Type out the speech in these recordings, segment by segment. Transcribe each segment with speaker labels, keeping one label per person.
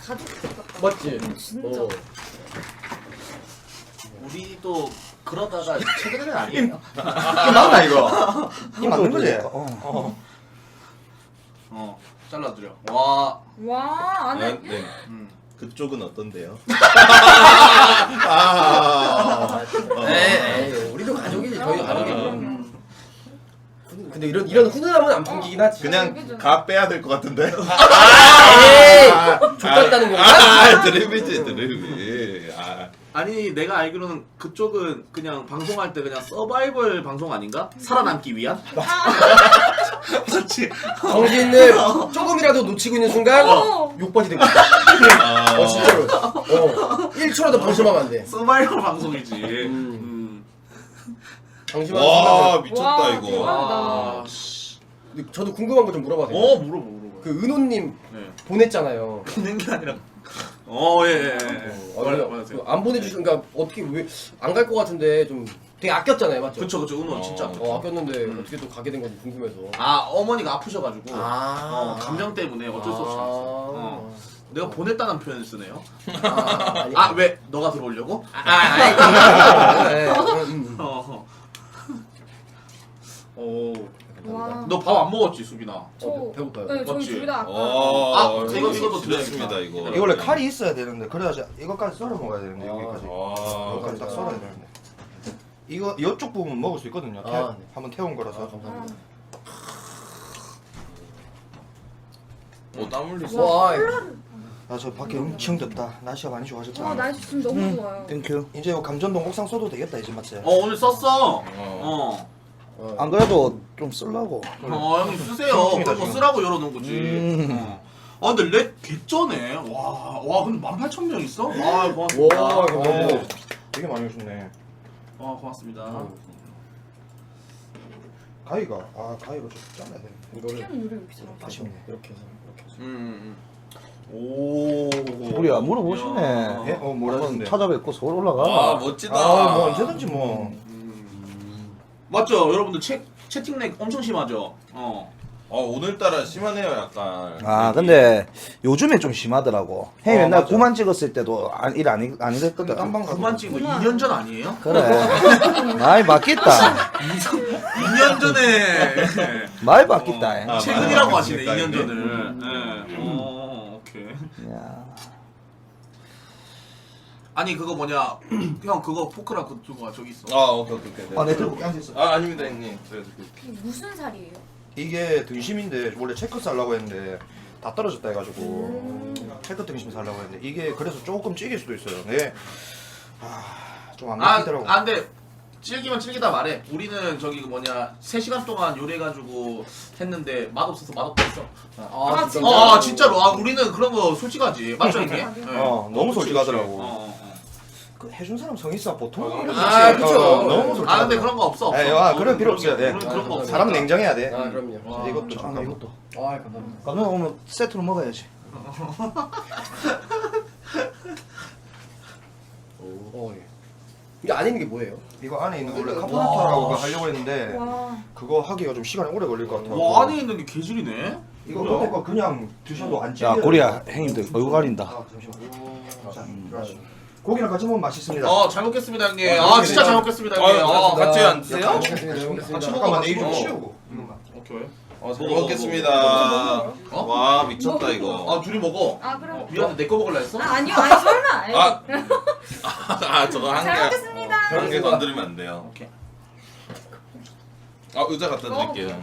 Speaker 1: 가족 같다.
Speaker 2: 맞지?
Speaker 1: 진짜.
Speaker 3: 우리도 그러다가 최근에는 아니에요.
Speaker 4: 이게 맞나 이거? 이 맞는 거지?
Speaker 3: 잘라드려. 와.
Speaker 1: 와 안에
Speaker 5: 네.
Speaker 3: 음.
Speaker 5: 그쪽은 어떤데요?
Speaker 2: 네, 우리도 가족이지. 저희 가족이지.
Speaker 1: 그럼요.
Speaker 2: 근데 이런 훈훈함은 안 풍기긴 하지.
Speaker 5: 그냥 가 빼야 될 것 같은데?
Speaker 2: 에이! 족같다는 건가?
Speaker 5: 드립이지 드립이.
Speaker 3: 아니 내가 알기로는 그쪽은 그냥 방송할 때 그냥 서바이벌 방송 아닌가? 살아남기 위한? 그렇지.
Speaker 2: 정신을 조금이라도 놓치고 있는 순간 욕받이 되고 있어. 진짜로. 1초라도 방심하면 안 돼.
Speaker 3: 서바이벌 방송이지.
Speaker 2: 방심하는
Speaker 5: 와
Speaker 2: 순간.
Speaker 5: 미쳤다
Speaker 1: 와,
Speaker 5: 이거.
Speaker 1: 대박이다.
Speaker 2: 근데 저도 궁금한 거 좀 물어봐도 돼요?
Speaker 3: 물어봐.
Speaker 2: 그 은호님
Speaker 3: 네.
Speaker 2: 보냈잖아요.
Speaker 3: 보낸 게 아니라. 예.
Speaker 2: 안 보내주신, 그러니까 어떻게 왜 안 갈 것 같은데 좀 되게 아꼈잖아요, 맞죠?
Speaker 3: 그쵸 은호 진짜.
Speaker 2: 아꼈는데 어떻게 또 가게 된 건지 궁금해서.
Speaker 3: 어머니가 아프셔가지고 감정 때문에 어쩔 수 없이 갔어. 내가 보냈다는 표현을 쓰네요.
Speaker 2: 아니.
Speaker 3: 왜? 너가 들어오려고?
Speaker 1: 와.
Speaker 3: 너 밥 안 먹었지 수빈아?
Speaker 1: 저
Speaker 2: 배고파요.
Speaker 1: 네, 저희
Speaker 3: 맞지?
Speaker 1: 둘 다 아까.
Speaker 3: 이것도 드렸습니다
Speaker 5: 이거.
Speaker 4: 이게 원래 칼이 있어야 되는데 그래야지 이것까지 썰어 먹어야 되는데 여기까지.
Speaker 5: 와.
Speaker 4: 여기까지 딱 썰어야 되는데. 이거 이쪽 부분 먹을 수 있거든요.
Speaker 2: 네.
Speaker 4: 한번 태운 거라서.
Speaker 2: 감사합니다.
Speaker 5: 땀 흘리고.
Speaker 2: 와,
Speaker 4: 아 저 밖에 엄청 덥다. 날씨가 많이 좋아졌다.
Speaker 1: 와 날씨 지금 너무 좋아요.
Speaker 4: 땡큐. 이제 요 감전동 옥상 써도 되겠다 이제 맞지?
Speaker 3: 오늘 썼어.
Speaker 6: 안 그래도 좀 쓰려고.
Speaker 3: 형님 쓰세요.
Speaker 4: 퉁퉁이다,
Speaker 3: 그거
Speaker 4: 지금.
Speaker 3: 쓰라고 열어놓은 거지. 근데 렉 개쩌네. 와 근데 18,000명 있어? 고맙습니다.
Speaker 2: 와, 이거 너무.
Speaker 4: 되게 많이 오셨네.
Speaker 3: 고맙습니다.
Speaker 4: 가위가 가위로 좀 잘라야 돼.
Speaker 2: 이거를
Speaker 1: 피아노 노래 왜 이렇게 잘하지?
Speaker 4: 아쉽네.
Speaker 2: 이렇게 해서 이렇게 해서.
Speaker 3: 오.
Speaker 6: 우리야 물어보시네.
Speaker 4: 예? 뭐라
Speaker 6: 한번
Speaker 4: 했는데?
Speaker 6: 찾아뵙고 서울 올라가.
Speaker 5: 멋지다.
Speaker 4: 뭐 언제든지 뭐.
Speaker 3: 맞죠? 여러분들 채팅 렉 엄청 심하죠?
Speaker 5: 오늘따라 심하네요 약간.
Speaker 6: 아 근데 요즘에 좀 심하더라고. 형이 맨날
Speaker 4: 맞아.
Speaker 6: 9만 찍었을 때도 일 안 했거든.
Speaker 4: 깜방 가서.
Speaker 3: 9만 찍은 거 2년 전 아니에요?
Speaker 6: 그래. 많이 바뀌었다.
Speaker 3: 2년 전에
Speaker 6: 많이 바뀌었다.
Speaker 3: 최근이라고 하시네
Speaker 5: 그러니까
Speaker 3: 2년
Speaker 5: 이게.
Speaker 3: 전을. 오케이.
Speaker 6: 야.
Speaker 3: 아니 그거 뭐냐 형 그거 포크랑 그거 들고 와 저기 있어.
Speaker 5: 오케이.
Speaker 4: 내 들고 앉아있어.
Speaker 5: 아닙니다 형님.
Speaker 1: 이게 무슨 살이에요?
Speaker 4: 이게 등심인데 원래 체크 살라고 했는데 다 떨어졌다 해가지고 체크 등심 살라고 했는데 이게 그래서 조금 찌길 수도 있어요. 네. 좀안 먹히더라고.
Speaker 3: 근데 질기다 말해. 우리는 저기 그 뭐냐 3시간 동안 요리해가지고 했는데 맛없어서 맛없다 했어.
Speaker 1: 진짜?
Speaker 3: 진짜로. 우리는 그런 거 솔직하지. 맞죠 이게? 네.
Speaker 4: 너무
Speaker 3: 그치,
Speaker 4: 솔직하더라고.
Speaker 3: 그치.
Speaker 4: 그 해준 사람 성 있어 보통. 이런 거
Speaker 2: 아,
Speaker 4: 없지.
Speaker 2: 그쵸.
Speaker 4: 너무 솔직하.
Speaker 3: 근데 그런 거 없어.
Speaker 4: 그럴 필요 없어요. 예.
Speaker 3: 그런 거 없어.
Speaker 4: 사람은 냉정해야 돼.
Speaker 2: 그럼요.
Speaker 3: 와.
Speaker 4: 이것도
Speaker 6: 아,
Speaker 4: 잠깐.
Speaker 6: 이것도.
Speaker 2: 감사합니다.
Speaker 6: 감독 오면 세트로 먹어야지.
Speaker 2: 예. 이게 안에 있는 게 뭐예요?
Speaker 4: 이거 안에 있는 거 원래 카포나타라고 하려고 했는데
Speaker 1: 와.
Speaker 4: 그거 하기가 좀 시간이 오래 걸릴 것 같아요.
Speaker 3: 와 안에 있는 게 개질이네.
Speaker 4: 이거 밑에 거 그냥 드셔도 안 찌요.
Speaker 6: 야 고리야 형님들 얼굴 가린다.
Speaker 4: 잠시만. 자, 들어가시죠. 고기랑 같이 먹으면 맛있습니다.
Speaker 3: 잘 먹겠습니다 형님. 진짜 잘 먹겠습니다 형님.
Speaker 5: 같이
Speaker 4: 야,
Speaker 5: 앉으세요?
Speaker 4: 같이 먹겠습니다. 같이 잠깐만 내 입 좀 치우고. 이것만.
Speaker 3: 오케이.
Speaker 5: 잘 먹겠습니다.
Speaker 3: 어?
Speaker 5: 와 미쳤다 이거.
Speaker 3: 둘이 먹어.
Speaker 1: 그럼.
Speaker 3: 미안해 내 거 먹을라 했어?
Speaker 1: 아니요 아니 설마.
Speaker 5: 저거 한
Speaker 1: 잘
Speaker 5: 개.
Speaker 1: 먹겠습니다.
Speaker 5: 한 개 건드리면 안 돼요.
Speaker 3: 오케이.
Speaker 5: 의자 갖다 드릴게요.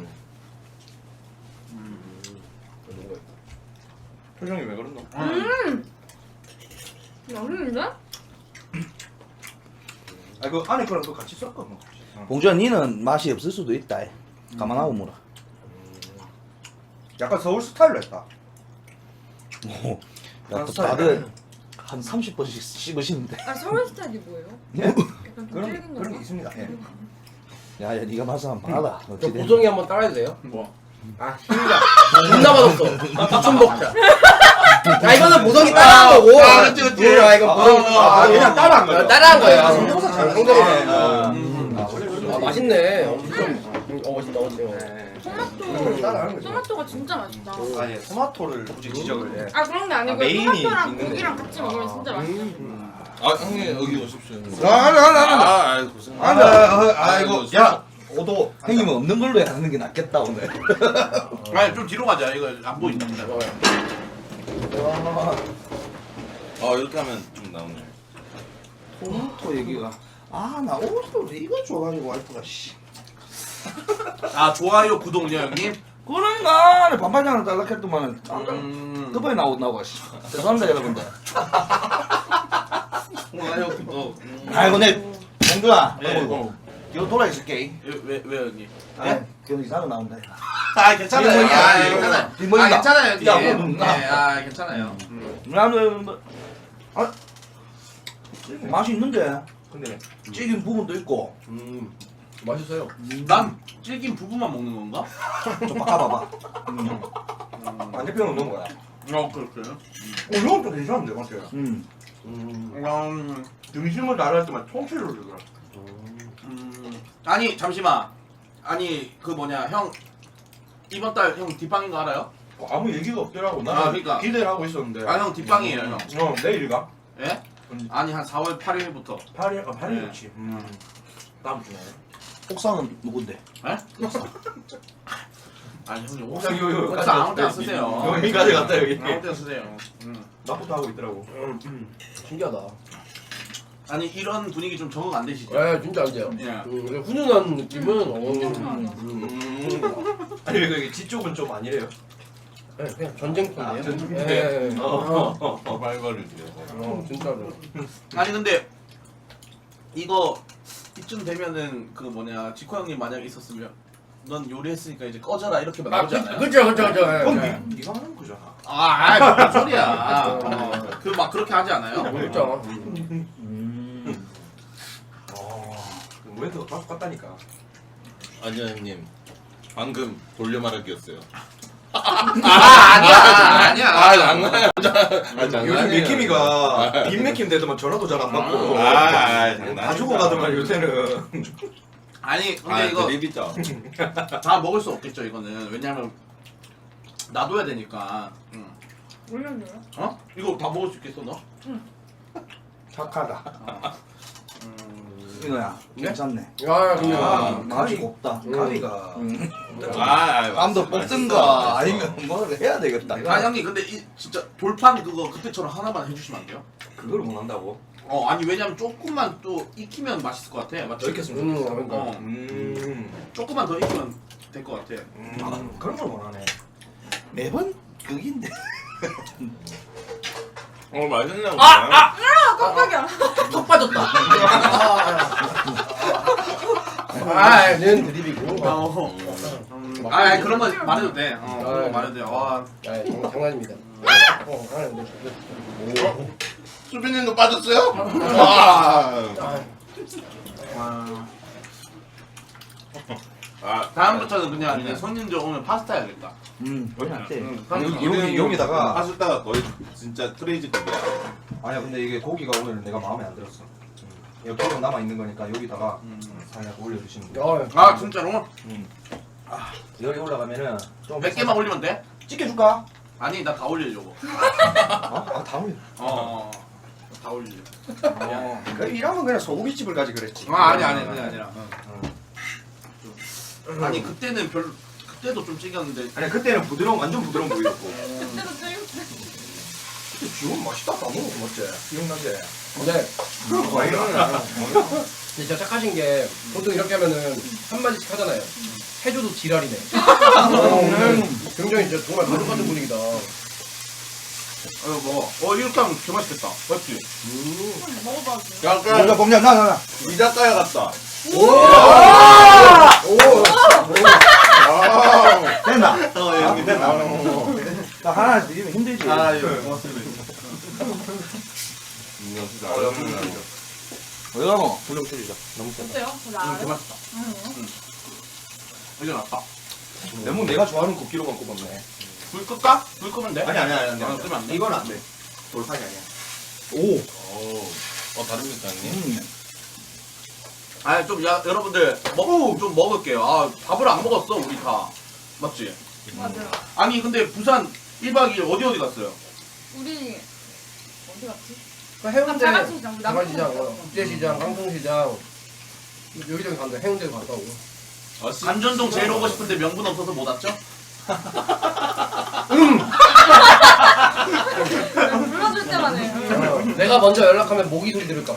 Speaker 5: 표정이 왜 그랬노?
Speaker 1: 맛있는데?
Speaker 4: 그 안에 거랑 또 같이 섞어 먹어.
Speaker 6: 봉주야 니는 맛이 없을 수도 있다. 감안하고 물어.
Speaker 4: 약간 서울 스타일로 했다.
Speaker 6: 야, 또 다들 한 30번씩 씹으시는데.
Speaker 1: 서울 스타일이 뭐예요?
Speaker 6: 예?
Speaker 1: 약간
Speaker 4: 그런
Speaker 1: 찔긴
Speaker 4: 그런 게
Speaker 1: 건가?
Speaker 4: 있습니다. 예.
Speaker 6: 야, 네가 맛을 한번 봐라.
Speaker 2: 저
Speaker 6: 어찌 돼?
Speaker 2: 보정이 한번 따라해도 돼요?
Speaker 3: 뭐?
Speaker 2: 힘이다. 존나 맛없어. 부천 먹자. 이거는 보정이 따라한 거고.
Speaker 3: 그치.
Speaker 2: 이건 보정이
Speaker 4: 그냥 따라한 거예요.
Speaker 2: 따라한 거예요.
Speaker 4: 성대모사 잘
Speaker 2: 성대모사.
Speaker 4: 하네.
Speaker 2: 맛있네. 맛있다.
Speaker 1: 토마토
Speaker 2: 따라하는 거죠.
Speaker 1: 토마토가 진짜 맛있다.
Speaker 4: 아니 토마토를 굳이 지적을 해.
Speaker 1: 아 그런 게 아니고
Speaker 4: 메인이
Speaker 1: 토마토랑
Speaker 4: 있는데.
Speaker 1: 고기랑 같이 먹으면 진짜 맛있어.
Speaker 5: 아 형님 여기 오십시오.
Speaker 6: 아,
Speaker 5: 고생.
Speaker 4: 아이고 야 오도
Speaker 6: 형님은 없는 걸로 하는 게 낫겠다 오늘.
Speaker 3: 아니 좀 뒤로 가자. 이거 안 보인다.
Speaker 5: 이렇게 하면 좀 나오네.
Speaker 6: 토마토 얘기가 나 오늘 이거 줘가지고 와이프가 씨.
Speaker 3: 아 좋아요 구독요 형님.
Speaker 6: 그런가 반반장을 달라했더만은 끝번에 나오고 씨. 죄송합니다 여러분들.
Speaker 5: 좋아요 구독.
Speaker 6: 아이고 내 공주야.
Speaker 3: 네.
Speaker 6: 이거 돌아 있을게.
Speaker 3: 왜 형님?
Speaker 6: 그 이상한 거 나온다.
Speaker 3: 아 괜찮아요.
Speaker 6: 뒷머리가
Speaker 3: 아
Speaker 6: 아니에요.
Speaker 3: 괜찮아요.
Speaker 6: 뒷머리가.
Speaker 3: 아 괜찮아요 형님.
Speaker 6: 야, 뭐 눈나.
Speaker 3: 네, 아 괜찮아요.
Speaker 6: 나는 맛이 있는데
Speaker 2: 근데
Speaker 6: 찌긴 부분도 있고.
Speaker 2: 맛있어요.
Speaker 3: 난 질긴 부분만 먹는 건가?
Speaker 6: 좀 바꿔봐봐.
Speaker 2: 반대편은 넣은 거야.
Speaker 3: 그렇게요.
Speaker 2: 이건 좀 괜찮은데 맛이.
Speaker 3: 등심을 나를 때만 통째로 주더라. 아니 잠시만. 아니 그 뭐냐 형 이번 달 형 뒷방인 거 알아요?
Speaker 2: 아무 얘기가 없더라고. 나
Speaker 3: 아, 그러니까.
Speaker 2: 기대를 하고 있었는데.
Speaker 3: 아 형 뒷방이에요 형.
Speaker 2: 내일이가?
Speaker 3: 예? 아니 한 4월 8일부터.
Speaker 2: 8일, 8일
Speaker 3: 네.
Speaker 2: 그렇지. 다음 주네.
Speaker 6: 옥상은 누군데?
Speaker 3: 에? 아니 형님
Speaker 2: 옥상
Speaker 3: 옥상 아무 때나 쓰세요.
Speaker 2: 여기까지 갔다 여기.
Speaker 3: 아무 때나 쓰세요.
Speaker 2: 나부터 하고 있더라고. 신기하다.
Speaker 3: 아니 이런 분위기 좀 적응 안 되시죠?
Speaker 2: 예, 진짜 안 돼요.
Speaker 3: 예.
Speaker 2: 훈훈한 느낌은
Speaker 4: 아니 왜 여기 뒤쪽은 좀 아니래요?
Speaker 2: 그냥 전쟁터네요.
Speaker 4: 전쟁터.
Speaker 2: 예.
Speaker 5: 발발을 드려.
Speaker 2: 진짜로.
Speaker 3: 아니 근데 이거 이쯤 되면은 그 뭐냐 지코 형님 만약에 있었으면 넌 요리했으니까 이제 꺼져라 이렇게 나오지 않아요?
Speaker 2: 그죠.
Speaker 4: 그건 네가 하는 거잖아.
Speaker 3: 무슨 소리야? 그 막 그렇게 하지 않아요?
Speaker 2: 그렇죠.
Speaker 4: 멘트가 딱 같다니까.
Speaker 5: 아니요 형님. 방금 돌려 말하기였어요.
Speaker 3: 아니야.
Speaker 5: 장난이야.
Speaker 4: 요즘 맥힘이가 빈 맥힘 되더만 전화도 잘 안 받고
Speaker 5: 장난이야.
Speaker 4: 다 주고 가더만 요새는.
Speaker 3: 아니 근데 이거
Speaker 5: 드립이죠.
Speaker 3: 다 먹을 수 없겠죠 이거는 왜냐면 놔둬야 되니까.
Speaker 1: 올려줘요?
Speaker 3: 어? 이거 다 먹을 수 있겠어 너?
Speaker 6: 착하다. 이거야. 괜찮네.
Speaker 2: 아, 근데
Speaker 6: 가위가 없다.
Speaker 4: 가위가
Speaker 6: 땀도 뽑든가 아니면 뭐 해야 되겠다.
Speaker 3: 아 형님 근데 이 진짜 돌판 그거 그때처럼 하나만 해주시면 안 돼요?
Speaker 4: 그걸 못 한다고?
Speaker 3: 아니 왜냐면 조금만 또 익히면 맛있을 것 같아 맞지?
Speaker 2: 그러니까.
Speaker 3: 조금만 더 익히면 될 것 같아.
Speaker 4: 그런 걸 못 하네.
Speaker 6: 매번 극인데.
Speaker 5: 맛있네요.
Speaker 1: 깜짝이야.
Speaker 3: 턱 빠졌다.
Speaker 2: 얘는 드립이고.
Speaker 3: 아 그런 거 말해도 돼. 그런 거 말해도 돼. 와.
Speaker 2: 장난입니다.
Speaker 5: 수빈님도 빠졌어요?
Speaker 3: 다음부터는 그냥 이제 손님들 오면 파스타 해야겠다.
Speaker 4: 여기다가
Speaker 5: 파스타가 거의 진짜 크레이지급이야.
Speaker 4: 아니야 근데 이게 고기가 오늘 내가 마음에 안 들었어. 여기 기름 남아 있는 거니까 여기다가 살짝 올려주시면 돼.
Speaker 3: 아 진짜로?
Speaker 4: 열이 올라가면은 좀
Speaker 3: 몇 개만 올리면 돼?
Speaker 4: 찍혀줄까?
Speaker 3: 아니 나 다 올리려고.
Speaker 4: 다 올려.
Speaker 3: 다 올리려.
Speaker 4: 그 이러면 그냥 소고기집을 가지 그랬지.
Speaker 3: 아니 그게 아니라. 아니 그때는 그때도 좀 찍었는데.
Speaker 4: 아니 그때는 완전 부드러운 부위였고.
Speaker 1: 그때도 찍었어.
Speaker 4: 그때 지금 맛있다 다 먹었어 맞지? 기억나지?
Speaker 2: 근데 진짜 착하신 게 보통 이렇게 하면은 한마디씩 하잖아요. 해줘도 지랄이네. 굉장히 진짜 정말 가족 같은 분위기다.
Speaker 3: 이렇게 하면 개 맛있겠다. 맞지?
Speaker 1: 먹어봐도 돼요?
Speaker 5: 약간
Speaker 6: 봉자 나.
Speaker 5: 이자카야 같다.
Speaker 6: 됐나?
Speaker 5: 여기 됐나?
Speaker 6: 나 하나 드리면 힘들지.
Speaker 3: 고맙습니다.
Speaker 6: 어디 가노? 불좀 줄이자. 너무 세다.
Speaker 1: 어때요? 나
Speaker 3: 개
Speaker 1: 알아요?
Speaker 3: 맛있다. 이제 낫다.
Speaker 4: 레몬 내가 좋아하는 국기로만 꼽았네.
Speaker 3: 불 끌까? 불 끄면 돼?
Speaker 4: 아니
Speaker 3: 끄면 안 돼?
Speaker 4: 이건 안 돼. 돌판이 아니야.
Speaker 5: 다릅니까 형님?
Speaker 3: 여러분들 좀 먹을게요. 밥을 안 먹었어 우리 다. 맞지?
Speaker 1: 맞아요.
Speaker 3: 아니 근데 부산 1박 2일 어디 갔어요?
Speaker 1: 우리 어디 갔지?
Speaker 2: 그 해운대,
Speaker 1: 자갈시장, 우리
Speaker 2: 자갈시장,
Speaker 1: 남포
Speaker 2: 국제시장, 강동시장 여기저기 갔는데 해운대 갔다 오고.
Speaker 3: 감전동 제일 오고 싶은데 명분 없어서 못 왔죠?
Speaker 1: 불러줄 때만 해요.
Speaker 2: 내가 먼저 연락하면 모기 소리 들을까봐.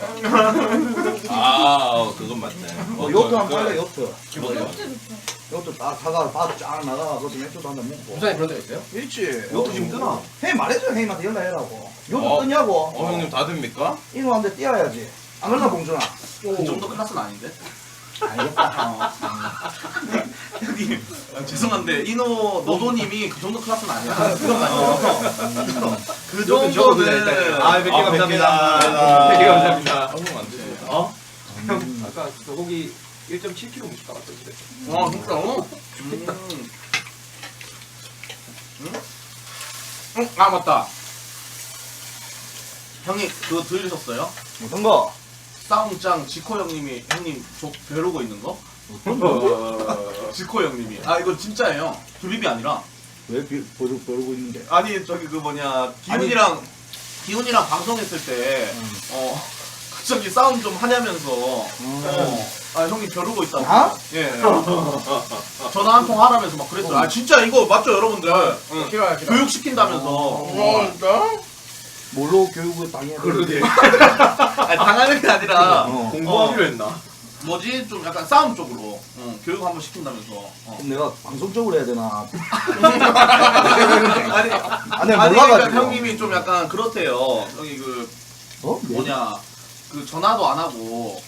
Speaker 5: 그건 맞네.
Speaker 6: 요트 한 팔래 요트.
Speaker 2: 뭐예요?
Speaker 1: 진짜 좋죠.
Speaker 6: 요트 딱 사가 바로 쫙 나가 거기 맥주도 한잔 먹고.
Speaker 2: 부산에 그런 데가 있어요?
Speaker 6: 있지. 요트 지금 뜨나? 형이 말해줘 형님한테 연락해라고. 요트 뜨냐고.
Speaker 5: 형님 다 됩니까?
Speaker 6: 이놈한테 뛰어야지. 안 그러나 봉준아?
Speaker 3: 그 정도 클래스는 아닌데?
Speaker 6: 알겠다.
Speaker 3: 형님 죄송한데 이노 노도님이 그 정도 클래스는 아니야. 그
Speaker 5: 적어도 돼,
Speaker 3: 정도는
Speaker 5: 일단.
Speaker 3: 아 100개 감사합니다.
Speaker 5: 100개
Speaker 3: 감사합니다.
Speaker 5: 한국 안 드세요.
Speaker 3: 어?
Speaker 7: 아까 소고기 1.7kg 먹었다 왔던데.
Speaker 3: 와 진짜? 아 맞다. 형님 그거 들으셨어요?
Speaker 6: 어떤 거?
Speaker 3: 싸움짱 지코 형님이 형님 저 벼르고 있는 거? 지코 형님이 아 이거 진짜예요. 드립이 아니라
Speaker 6: 왜 버르고 있는데?
Speaker 3: 아니 저기 그 뭐냐 기훈이랑 방송했을 때 갑자기 싸움 좀 하냐면서 아 형님 벼르고 있다고.
Speaker 6: 나?
Speaker 3: 예. 전화 한 통 하라면서 막 그랬어요. 아 진짜 이거 맞죠 여러분들? 응.
Speaker 2: 싫어요.
Speaker 3: 교육 시킨다면서.
Speaker 6: 뭘로 교육을 당해야 돼?
Speaker 3: 그러게. 아니, 당하는 게 아니라
Speaker 5: 공부하기로 했나?
Speaker 3: 뭐지 좀 약간 싸움 쪽으로 교육 한번 시킨다면서.
Speaker 6: 그럼 내가 방송적으로 해야 되나?
Speaker 3: 아니
Speaker 6: 내가
Speaker 3: 아니
Speaker 6: 몰라가지고.
Speaker 3: 그러니까 형님이 좀 약간 그렇대요. 여기 그
Speaker 6: 어?
Speaker 3: 뭐냐 그 전화도 안 하고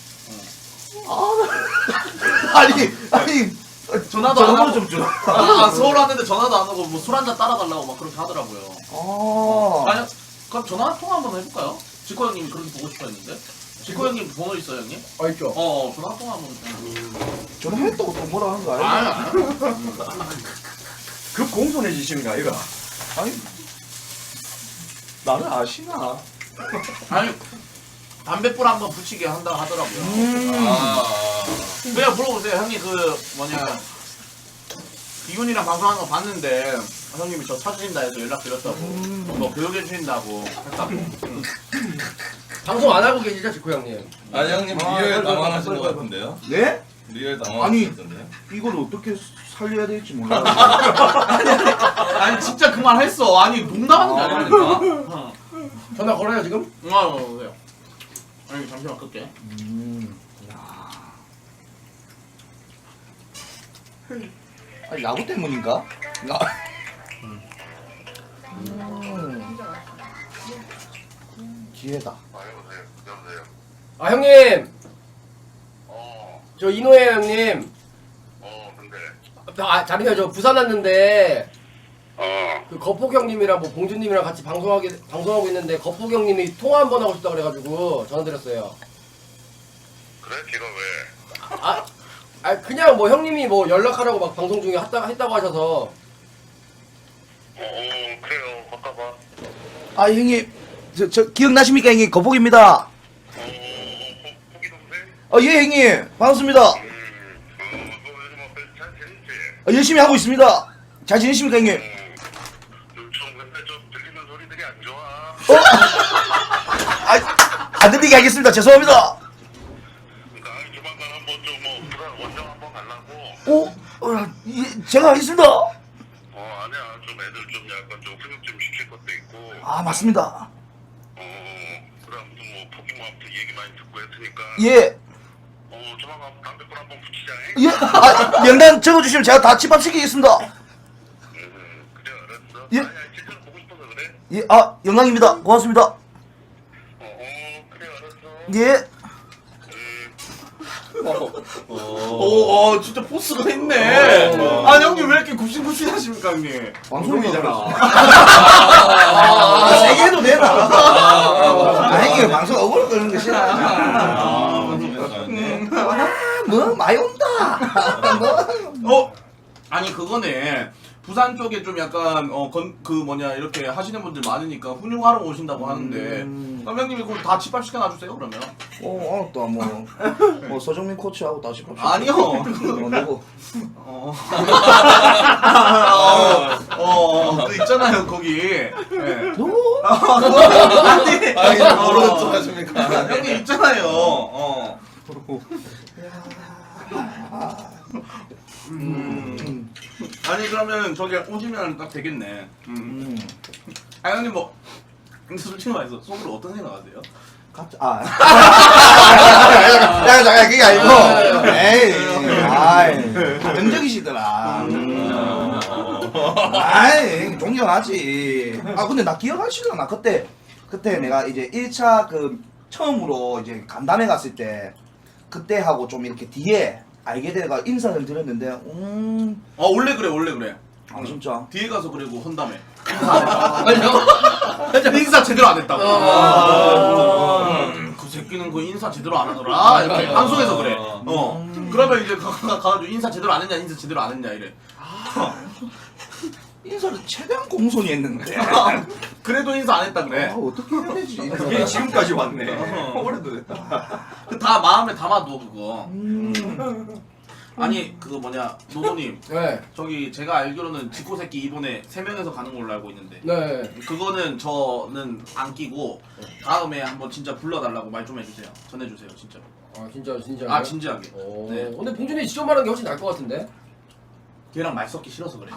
Speaker 6: 아니
Speaker 3: 전화도 안
Speaker 6: 전화번호
Speaker 3: 하고
Speaker 6: 좀 줘.
Speaker 3: 서울 왔는데 전화도 안 하고 뭐 술 한잔 따라달라고 막 그렇게 하더라고요. 아니 그럼 전화 통화 한번 해볼까요? 지코 형님이 그렇게 보고 싶어 했는데. 지코 형님 번호 있어요 형님?
Speaker 2: 있죠.
Speaker 3: 전화 통화 한번.
Speaker 6: 전화했다고 또 뭐라 하는 거
Speaker 3: 아니
Speaker 6: 아니야?
Speaker 3: 아니.
Speaker 7: 그 공손해지십니까 이거?
Speaker 6: 아니 나를 아시나?
Speaker 3: 아니 담배불 한번 붙이게 한다 하더라고요. 그냥 물어보세요 형님 그 뭐냐 이군이랑 방송하는 거 봤는데 형님이 저 찾으신다 해서 연락드렸다고 뭐 교육해 주신다고 했다고.
Speaker 2: 방송 안 하고 계시죠, 지코 형님?
Speaker 5: 아니 형님 리얼 당황하신 것 같은데요?
Speaker 6: 네?
Speaker 5: 리얼
Speaker 6: 아니.
Speaker 5: 당황하신 것 같은데요?
Speaker 6: 이걸 어떻게 살려야 될지 몰라.
Speaker 3: 아니 진짜 그 말 했어. 아니 농담하는 게 아니라니까.
Speaker 2: 전화 걸어요 지금?
Speaker 3: 그래요. 아니 잠시만 끌게.
Speaker 6: 아니 야구 때문인가? 기회다.
Speaker 2: 아 형님. 저 이노예 형님.
Speaker 8: 근데.
Speaker 2: 잠시만요. 저 부산 왔는데
Speaker 8: 어.
Speaker 2: 그 거폭 형님이랑 뭐 봉준님이랑 같이 방송하고 있는데 거폭 형님이 통화 한번 하고 싶다 그래가지고 전화드렸어요.
Speaker 8: 그래? 걔가 왜?
Speaker 2: 그냥 뭐 형님이 뭐 연락하라고 막 방송 중에 했다고 하셔서.
Speaker 8: 그래요. 바꿔봐.
Speaker 6: 아 형님 저 기억나십니까 형님 거북입니다.
Speaker 8: 포기 동생?
Speaker 6: 예 형님 반갑습니다.
Speaker 8: 너 요즘 잘 지냈지?
Speaker 6: 열심히 하고 있습니다. 잘 지내십니까 형님?
Speaker 8: 좀 근데 좀 들리는 소리들이 안 좋아.
Speaker 6: 안 들리게 하겠습니다. 죄송합니다.
Speaker 8: 그러니까 조만간 한번 좀뭐 부산 원정 한번 가려고.
Speaker 6: 제가 하겠습니다.
Speaker 8: 아니야. 좀 애들 좀 약간 좀 훈육 좀 시킬 것도 있고.
Speaker 6: 아 맞습니다.
Speaker 8: 그래 아무튼 뭐 포기 뭐 아무튼 얘기 많이 듣고 했으니까.
Speaker 6: 예.
Speaker 8: 조만간 담배불 한번 붙이자.
Speaker 6: 예. 명단 적어주시면 제가 다 집합시키겠습니다.
Speaker 8: 그래 알았어.
Speaker 6: 예.
Speaker 8: 아니야 진짜로 보고 싶어서 그래.
Speaker 6: 예. 영광입니다. 고맙습니다.
Speaker 8: 그래 알았어.
Speaker 6: 예.
Speaker 3: 진짜 포스가 있네. 아니 형님 왜 이렇게 굽신굽신하십니까 형님?
Speaker 6: 방송이잖아. 세게 해도 되나? 형님 방송 억울 끄는 거 싫어. 뭐 많이 온다.
Speaker 3: 아니 그거네. 부산 쪽에 좀 약간 그 뭐냐 이렇게 하시는 분들 많으니까 훈육하러 오신다고 하는데 그럼 형님이 그거 다 집합시켜 놔주세요 그러면.
Speaker 6: 알았다. 뭐 서정민 코치하고 다시 봅시다.
Speaker 3: 아니요.
Speaker 6: 누구?
Speaker 3: 그 있잖아요 거기. 네.
Speaker 6: 누구?
Speaker 3: 아니
Speaker 5: 아니 뭐로 또 하십니까?
Speaker 3: 형님 있잖아요. 아니 그러면 저기 오시면 딱 되겠네. 아 형님 뭐 근데 솔직히 말해서 속으로 어떤 생각하세요?
Speaker 6: 잠깐 그게 아니고. 에이, 가정적이시더라. 아이, 존경하지. 근데 나 기억하시려나? 그때 내가 이제 1차 처음으로 이제 간담회 갔을 때 그때 하고 좀 이렇게 뒤에 알게 돼가 인사를 드렸는데,
Speaker 3: 원래 그래.
Speaker 6: 아 진짜.
Speaker 3: 뒤에 가서 그리고 헌담해. 인사 제대로 안 했다고. 그 새끼는 그 인사 제대로 안 하더라. 이렇게 방송에서 그래. 그러면 이제 가가지고 인사 제대로 안 했냐, 인사 제대로 안 했냐 이래.
Speaker 6: 인사를 최대한 공손히 했는데.
Speaker 3: 그래도 인사 안 했다 그래.
Speaker 6: 어떻게 해야 되지?
Speaker 7: 이게 지금까지 왔네. 오래도 됐다.
Speaker 3: 그 다 마음에 담아둬 그거. 아니 그거 뭐냐 노노님.
Speaker 2: 네.
Speaker 3: 저기 제가 알기로는 지코 새끼 이번에 3명에서 가는 걸로 알고 있는데.
Speaker 2: 네.
Speaker 3: 그거는 저는 안 끼고 다음에 한번 진짜 불러달라고 말 좀 해주세요. 전해주세요 진짜로.
Speaker 2: 아 진짜.
Speaker 3: 아 진지하게.
Speaker 2: 네.
Speaker 3: 네.
Speaker 2: 근데 봉준이 직접 말하는 게 훨씬 나을 것 같은데.
Speaker 3: 걔랑 말 섞기 싫어서 그래.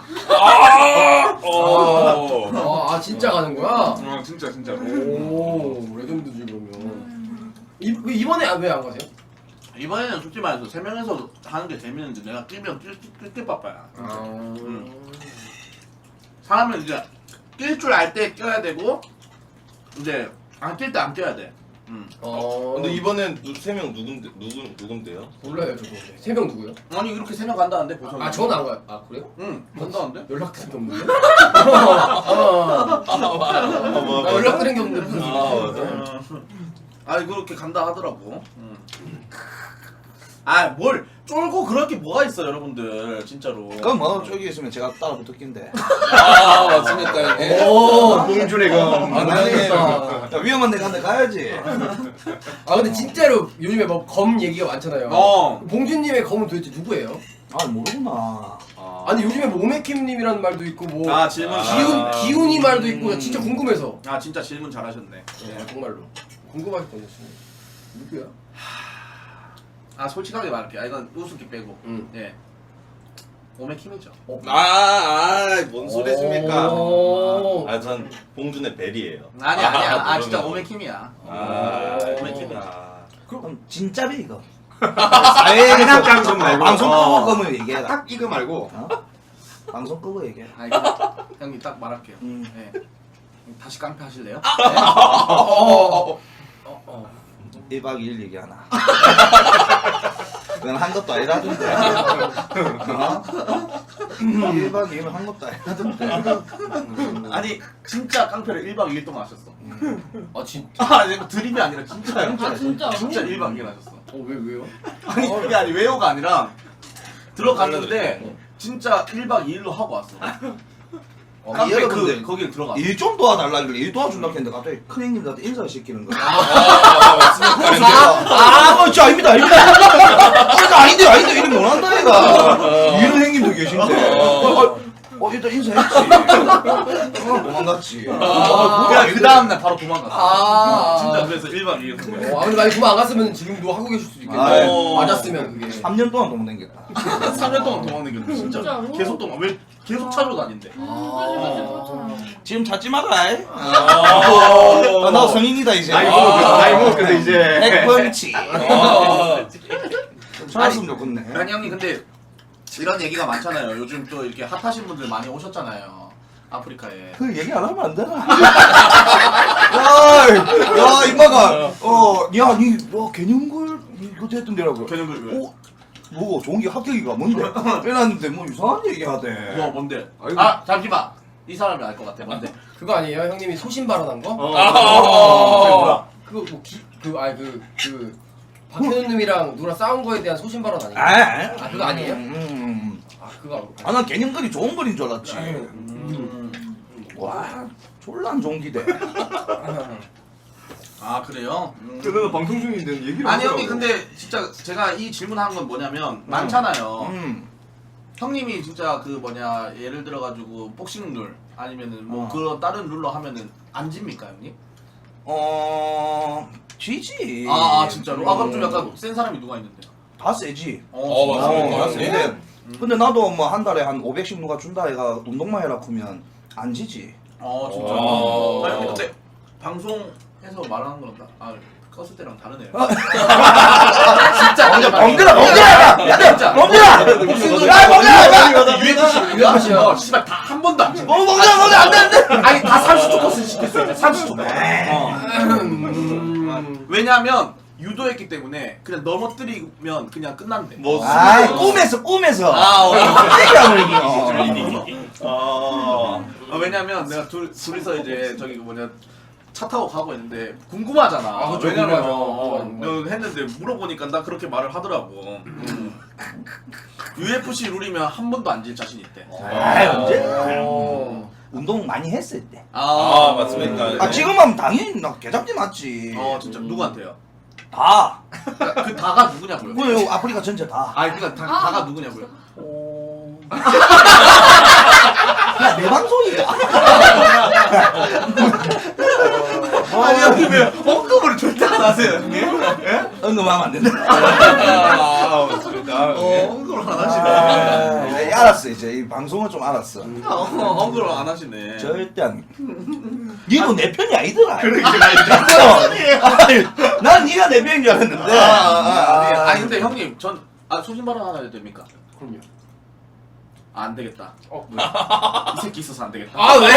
Speaker 2: 진짜 가는 거야?
Speaker 3: 진짜.
Speaker 2: 오, 레전드지 그러면. 이번에 왜 안 가세요?
Speaker 3: 이번에는 솔직히 말해서 3명에서 하는 게 재밌는데 내가 끼면 낄 바빠야. 사람은 이제 낄 줄 알 때 껴야 되고 이제 안 낄 때 안 껴야 돼.
Speaker 5: 근데 이번엔 3명 누군데요?
Speaker 2: 몰라요 저도. 3명 누구요?
Speaker 3: 아니 이렇게 3명 간다는데 보성.
Speaker 2: 저는 안 가요. 아 그래요?
Speaker 3: 응 간다는데?
Speaker 2: 연락드린 게 없는데? 연락드린 게 없는데 무슨 소리야?
Speaker 3: 아니 그렇게 간다 하더라고. 뭘 쫄고 그럴 게 뭐가 있어 여러분들 진짜로.
Speaker 6: 그럼 뭐 저기 있으면 제가 따라 붙었긴데.
Speaker 5: 맞습니까 형님?
Speaker 2: 오,
Speaker 7: 봉준의 그
Speaker 2: 안 되겠다.
Speaker 6: 위험한 데 간데 가야지.
Speaker 2: 근데 진짜로 요즘에 뭐 검 얘기가 많잖아요. 봉준님의 검은 도대체 누구예요?
Speaker 6: 모르구나.
Speaker 2: 아니 요즘에 뭐 오메킴님이라는 말도 있고 뭐
Speaker 3: 질문.
Speaker 2: 기훈이 말도 있고 진짜 궁금해서.
Speaker 3: 진짜 질문 잘하셨네.
Speaker 2: 네, 정말로 궁금하게 던졌습니다. 누구야?
Speaker 3: 솔직하게 말할게. 이건 우습게 빼고. 예. 오메킴이죠.
Speaker 5: 뭔 소리십니까?
Speaker 2: 오.
Speaker 5: 전 봉준의 벨이에요.
Speaker 3: 아니야. 진짜 오메킴이야.
Speaker 5: 오메킴이야.
Speaker 6: 그럼 진짜 배 이거. 사회
Speaker 7: 장난감 말고.
Speaker 6: 방송 끄고 그러면 얘기해라.
Speaker 7: 딱 이거 말고.
Speaker 6: 방송 끄고 얘기해.
Speaker 3: 형님 딱 말할게요. 예. 다시 깡패 하실래요?
Speaker 6: 1박 2일 얘기하나. 그건 한 것도 아니라던데. 1박 2일은 한 것도 아니라던데.
Speaker 3: 아니 진짜 깡패를 1박 2일 동안 하셨어.
Speaker 2: 진짜?
Speaker 3: 이거 드립이 아니라 진짜요.
Speaker 1: 진짜?
Speaker 3: 진짜 1박 2일 하셨어.
Speaker 2: 왜요?
Speaker 3: 아니 그게 아니 왜요가 아니라 들어갔는데 진짜 1박 2일로 하고 왔어. 깡패
Speaker 6: 여러분들
Speaker 3: 거길 들어갔어.
Speaker 6: 일 좀 도와달라 그래. 일 도와준다 했는데 갑자기 큰 형님들한테 인사를 시키는 거야. 진짜 아닙니다. 진짜 아닌데 이름 못 한다 얘가. 이런 형님도 계신데. 일단 인사했지. 도망갔지.
Speaker 3: 그냥 그 다음날 바로 도망갔어. 진짜 그래서 1박 2일.
Speaker 2: 근데 만약 그만 안 갔으면 지금도 하고 계실 수도 있겠네. 맞았으면 그게.
Speaker 6: 3년 동안 도망다녔겠다.
Speaker 3: 3년 동안 도망다녔는데 진짜.
Speaker 1: 진짜로?
Speaker 3: 계속 왜 계속 찾아다닌대.
Speaker 1: 그치 그렇잖아.
Speaker 6: 지금 찾지 마라. 나 성인이다 이제.
Speaker 7: 나이 먹었는데 이제.
Speaker 6: 핵펀치. 찾았으면 좋겠네.
Speaker 3: 아니 형님 근데 이런 얘기가 많잖아요. 요즘 또 이렇게 핫하신 분들 많이 오셨잖아요. 아프리카에.
Speaker 6: 그 얘기 안 하면 안 되나? 야, 임마가, 니 개념글 이거 했던 데라고.
Speaker 3: 개념글 왜?
Speaker 6: 뭐 좋은 게 합격이가 뭔데? 빼놨는데 뭐 이상한 얘기 하대.
Speaker 3: 뭐 뭔데?
Speaker 7: 아이고.
Speaker 3: 잠시만. 이 사람이 알 것 같아. 뭔데?
Speaker 2: 그거 아니에요? 형님이 소신 발언한 거?
Speaker 3: 뭐야?
Speaker 2: 그거 박현우 님이랑 누구랑 싸운 거에 대한 소신 발언 아니에요? 그거 아니에요? 아 그거
Speaker 6: 아, 난 개념글이 좋은 글인 줄 알았지. 와, 졸라 안 좋은 기대.
Speaker 3: 아 그래요?
Speaker 7: 그래도 방송 중인데 얘기를
Speaker 3: 아니
Speaker 7: 하더라고.
Speaker 3: 형님 근데 진짜 제가 이 질문하는 건 뭐냐면 많잖아요. 형님이 진짜 그 뭐냐 예를 들어가지고 복싱 룰 아니면은 뭐 그런 다른 룰로 하면은 안 집니까 형님?
Speaker 6: 지지.
Speaker 3: 아 진짜로? 아 그럼 좀 약간 센 사람이 누가 있는데요?
Speaker 6: 다 세지.
Speaker 5: 맞습니다.
Speaker 6: 근데, 근데 나도 뭐 한 달에 한 500씩 누가 준다 해가 운동만 해라 크면 안 지지.
Speaker 3: 진짜.
Speaker 5: 어.
Speaker 3: 아 형님 근데 방송에서 말하는 거랑 껐을 때랑 다르네요.
Speaker 6: 진짜
Speaker 3: 진짜
Speaker 6: 멍들아 멍들아 야
Speaker 3: 진짜.
Speaker 6: 멍들아 야 멍들아
Speaker 3: UFC 씨발 다 한 번도 안 찍어.
Speaker 6: 멍들아 안돼
Speaker 3: 아니 다 30초 코스 시킬 수 있어. 30초. 왜냐면 유도했기 때문에 그냥 넘어뜨리면 그냥 끝난대.
Speaker 5: 뭐
Speaker 6: 아 꿈에서
Speaker 3: 왜냐면 내가 둘이서 이제 저기 그 뭐냐 차 타고 가고 있는데 궁금하잖아.
Speaker 2: 아, 그쵸,
Speaker 3: 왜냐면
Speaker 2: 궁금하죠.
Speaker 3: 했는데 물어보니까 나 그렇게 말을 하더라고. UFC 룰이면 한 번도 안 질 자신 있대.
Speaker 6: 아 언제 운동 많이 했을 때.
Speaker 5: 맞습니까?
Speaker 6: 아 지금은 당연히 나 개잡지 맞지.
Speaker 3: 진짜 누구한테요?
Speaker 6: 다.
Speaker 3: 그 다가 누구냐고요?
Speaker 6: 그래 아프리카 전체 다.
Speaker 3: 아니 그니까 다가 누구냐고요?
Speaker 6: 야 내 방송이야.
Speaker 3: 아니 형님 왜 언급을 절대 안 하세요 형님?
Speaker 6: 언급하면 안 된다.
Speaker 5: 맞습니다.
Speaker 3: 언급을 안 하시네.
Speaker 6: 네, 알았어 이제 이 방송은 좀 알았어.
Speaker 3: 언급을 안 하시네.
Speaker 6: 절대 안. 니도 내 편이 아니더라.
Speaker 3: 그러니까
Speaker 6: 난 니가 내 편인 줄 알았는데.
Speaker 3: 아니 근데 형님 전 소신 발언 하나 해도 됩니까?
Speaker 2: 그럼요.
Speaker 3: 안 되겠다. 이 새끼 있어서 안 되겠다.
Speaker 2: 왜?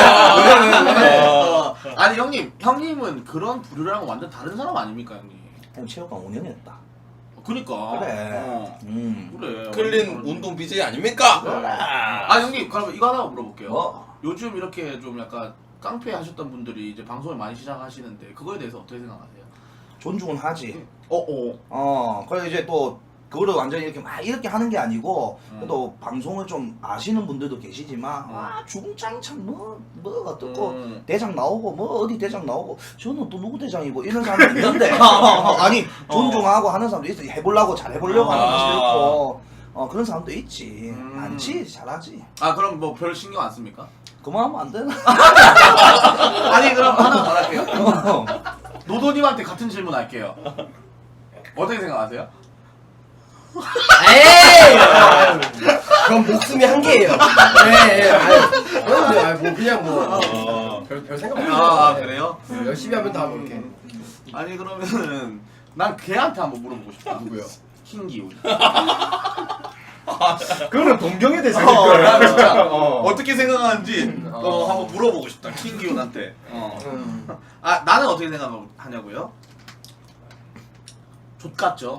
Speaker 3: 아니 형님은 그런 부류랑 완전 다른 사람 아닙니까 형님?
Speaker 6: 형 체육관 5년 했다.
Speaker 3: 그니까.
Speaker 6: 그래.
Speaker 3: 그래.
Speaker 5: 클린 운동 BJ 아닙니까?
Speaker 3: 아 형님 그러면 이거 하나 물어볼게요.
Speaker 6: 뭐?
Speaker 3: 요즘 이렇게 좀 약간 깡패 하셨던 분들이 이제 방송을 많이 시작하시는데 그거에 대해서 어떻게 생각하세요?
Speaker 6: 존중은 하지. 그래 이제 또 그거를 완전히 이렇게 막 이렇게 하는 게 아니고 또 방송을 좀 아시는 분들도 계시지만 와 중장창 뭐가 떴고 대장 나오고 뭐 어디 대장 나오고 저는 또 누구 대장이고 이런 사람도 있는데 아니 존중하고 하는 사람도 있어. 해보려고 잘 해보려고 하는 사람도 있고 그런 사람도 있지. 많지 잘하지.
Speaker 3: 아 그럼 뭐 별 신경 안 씁니까?
Speaker 6: 그만하면 안 되나?
Speaker 3: 아니 그럼 하나 더 할게요. 노도님한테 같은 질문 할게요. 어떻게 생각하세요?
Speaker 2: 에이! 그럼 목숨이 한 개예요. 뭐 그냥 별 생각 없어요.
Speaker 3: 그래요?
Speaker 2: 열심히 하면 다 그렇게.
Speaker 3: 아니 그러면은 난 걔한테 한번 물어보고 싶어.
Speaker 2: 누구요?
Speaker 3: 킹기훈.
Speaker 7: 그거는 동경에 대해서
Speaker 3: 난 진짜 어떻게 생각하는지 한번 물어보고 싶다. 킹기훈한테. 나는 어떻게 생각하냐고요? 족같죠.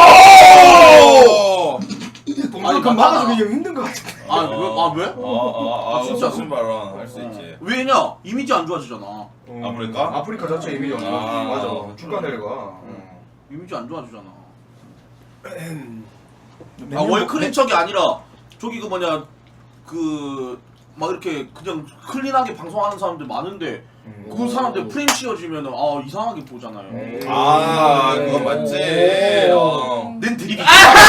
Speaker 7: 동경 그 막아주기 좀 힘든 것 같아.
Speaker 3: 왜? 진짜
Speaker 5: 무슨 발언 할 수 있지.
Speaker 3: 왜냐? 이미지 안 좋아지잖아.
Speaker 5: 아프리카?
Speaker 7: 아프리카 자체 이미지 맞아. 주가 내려가.
Speaker 3: 이미지 안 좋아지잖아. 월클린 척이 아니라 저기 그 뭐냐 막 이렇게 그냥 클린하게 방송하는 사람들 많은데 그 사람들 프레임 씌워지면은 이상하게 보잖아요.
Speaker 5: 그거 맞지.
Speaker 3: 낸 드립이.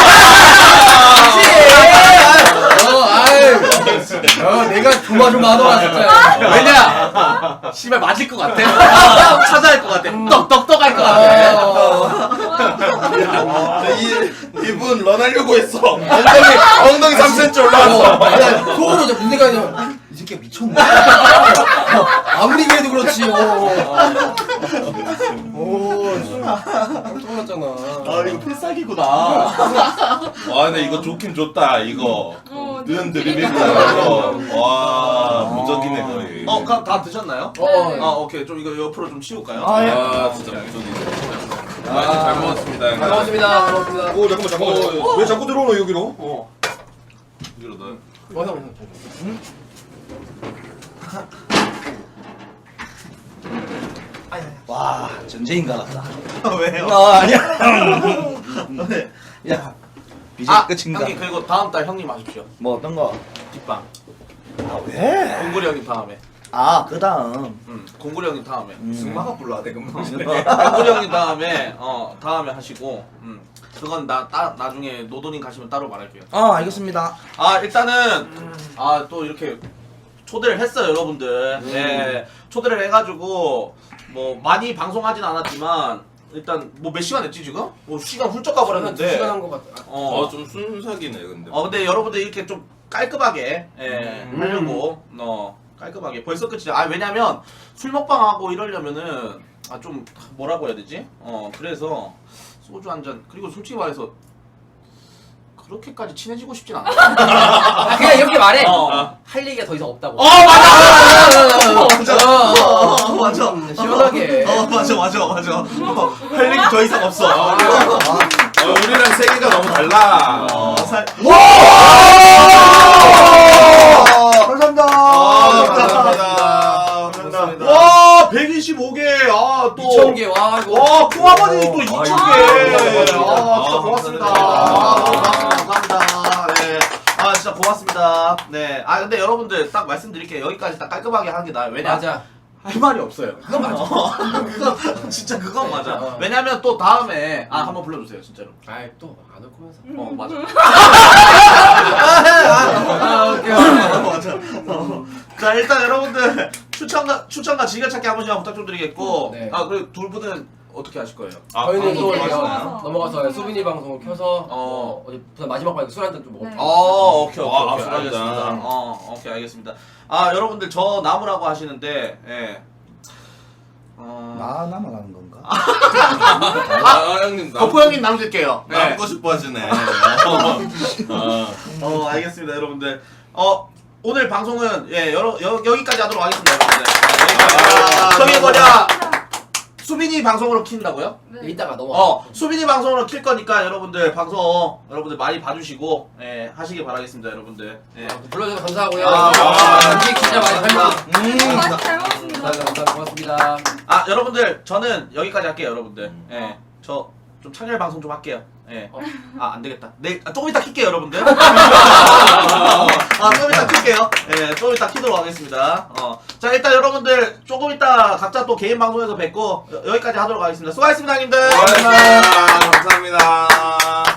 Speaker 2: 내가 조마조마하더라 진짜.
Speaker 3: 왜냐? 씨발 맞을 것 같아. 찾아할 것 같아. 떡떡떡 할 것 같아.
Speaker 5: 이분 런하려고 했어. 엉덩이 3cm 올라왔어.
Speaker 2: 속으로 저 문제가 아니라 이 새끼가 미쳤네. 아무리 그래도 그렇지. 깜짝 놀랐잖아.
Speaker 3: 이거 필살기구나.
Speaker 5: 근데 이거 좋긴 좋다. 이거 는 드립이고. 와 무적이네 거의.
Speaker 3: 그럼 다 드셨나요? 오케이. 좀 이거 옆으로 좀 치울까요?
Speaker 5: 진짜 무적이네. 잘 먹었습니다.
Speaker 2: 잘 먹었습니다. 잘 먹었습니다.
Speaker 7: 오 잠깐만. 왜 자꾸 들어오노 여기로?
Speaker 5: 여기로 넣어.
Speaker 2: 형.
Speaker 6: 와 전쟁인 것 같다.
Speaker 3: 왜요?
Speaker 6: 아니야. 야 이제
Speaker 3: 아
Speaker 6: 끝인가?
Speaker 3: 형님 그리고 다음 달 형님 하십시오.
Speaker 6: 뭐 어떤 거?
Speaker 3: 뒷방.
Speaker 6: 아 왜?
Speaker 3: 공구리 형님 다음에.
Speaker 6: 아 그 다음.
Speaker 3: 공구리 형님 다음에.
Speaker 7: 승마가 불러야 돼 금방.
Speaker 3: 공구리 형님 다음에 다음에 하시고 그건 나중에 노도님 가시면 따로 말할게요.
Speaker 6: 알겠습니다.
Speaker 3: 아 일단은 또 이렇게 초대를 했어요 여러분들. 네 초대를 해가지고 뭐 많이 방송하진 않았지만 일단 뭐 몇 시간 했지 지금? 뭐 시간 훌쩍 가버렸는데.
Speaker 1: 2시간 한 것 같아.
Speaker 5: 좀 순삭이네 근데.
Speaker 3: 근데 여러분들 이렇게 좀 깔끔하게 하려고 깔끔하게 벌써 끝이죠. 왜냐면 술 먹방하고 이러려면은 좀 뭐라고 해야 되지? 그래서 소주 한 잔 그리고 솔직히 말해서 그렇게까지 친해지고 싶진 않아.
Speaker 1: 그냥 이렇게 말해.
Speaker 3: 어.
Speaker 1: 할 얘기가 더 이상 없다고.
Speaker 3: 맞아. 맞아.
Speaker 1: 시원하게.
Speaker 3: 맞아. 할 얘기 더 이상 없어.
Speaker 5: 우리랑 세계가 너무 달라.
Speaker 6: 감사합니다.
Speaker 5: 감사합니다.
Speaker 3: 와 125개. 또
Speaker 1: 2,000개. 와 이거.
Speaker 3: 와, 콩아버니 또 2,000개! 진짜 고맙습니다. 감사합니다. 네. 진짜 고맙습니다. 네. 근데 여러분들 딱 말씀드릴게요. 여기까지 딱 깔끔하게 하는 게 나아요. 왜냐?
Speaker 1: 맞아.
Speaker 3: 할 말이 없어요.
Speaker 1: 그건 맞아.
Speaker 3: 그건 진짜 그건 맞아.
Speaker 1: 어.
Speaker 3: 왜냐면 또 다음에 한번 불러주세요, 진짜로.
Speaker 1: 아이 또 안 올 거면서.
Speaker 3: 맞아.
Speaker 1: 오케이.
Speaker 3: 맞아. 자, 일단 여러분들 추천과 즐겨찾기 한 번씩 부탁 좀 드리겠고,
Speaker 1: 네.
Speaker 3: 그리고 둘 분은 어떻게 하실 거예요?
Speaker 1: 저희는 또
Speaker 8: 방송
Speaker 1: 넘어가서 수빈이 방송을 켜서 어디 부산 마지막 방에 술 한잔 좀 먹어.
Speaker 8: 네.
Speaker 3: 오케이,
Speaker 5: 와,
Speaker 3: 오케이,
Speaker 5: 술 한잔.
Speaker 3: 알겠습니다. 오케이, 알겠습니다. 여러분들 저 나무라고 하시는데, 예.
Speaker 6: 나 나만 하는 건가?
Speaker 5: 형님
Speaker 3: 덕후 형님 남길게요. 네.
Speaker 5: 남고 싶어 하시네.
Speaker 3: 알겠습니다, 여러분들. 오늘 방송은 여기까지 하도록 하겠습니다, 여러분들. 저기 수빈이 방송으로 킨다고요?
Speaker 8: 네.
Speaker 1: 이따가 넘어.
Speaker 3: 수빈이 방송으로 킬 거니까 여러분들 방송 여러분들 많이 봐주시고 하시길 바라겠습니다, 여러분들.
Speaker 1: 불러주셔서 감사하고요.
Speaker 3: 아,
Speaker 1: 음식 진짜 많이 팔려.
Speaker 8: 맛이 잘 먹었습니다.
Speaker 1: 감사합니다. 고맙습니다.
Speaker 3: 여러분들 저는 여기까지 할게요, 여러분들. 저 좀 창렬 방송 좀 할게요. 안 되겠다. 내일 조금 이따 킬게요, 여러분들. 좀 이따 킬게요. 좀 이따 키도록 하겠습니다. 자, 일단 여러분들 조금 이따 각자 또 개인 방송에서 뵙고 여기까지 하도록 하겠습니다. 수고하셨습니다, 형님들.
Speaker 5: 감사합니다.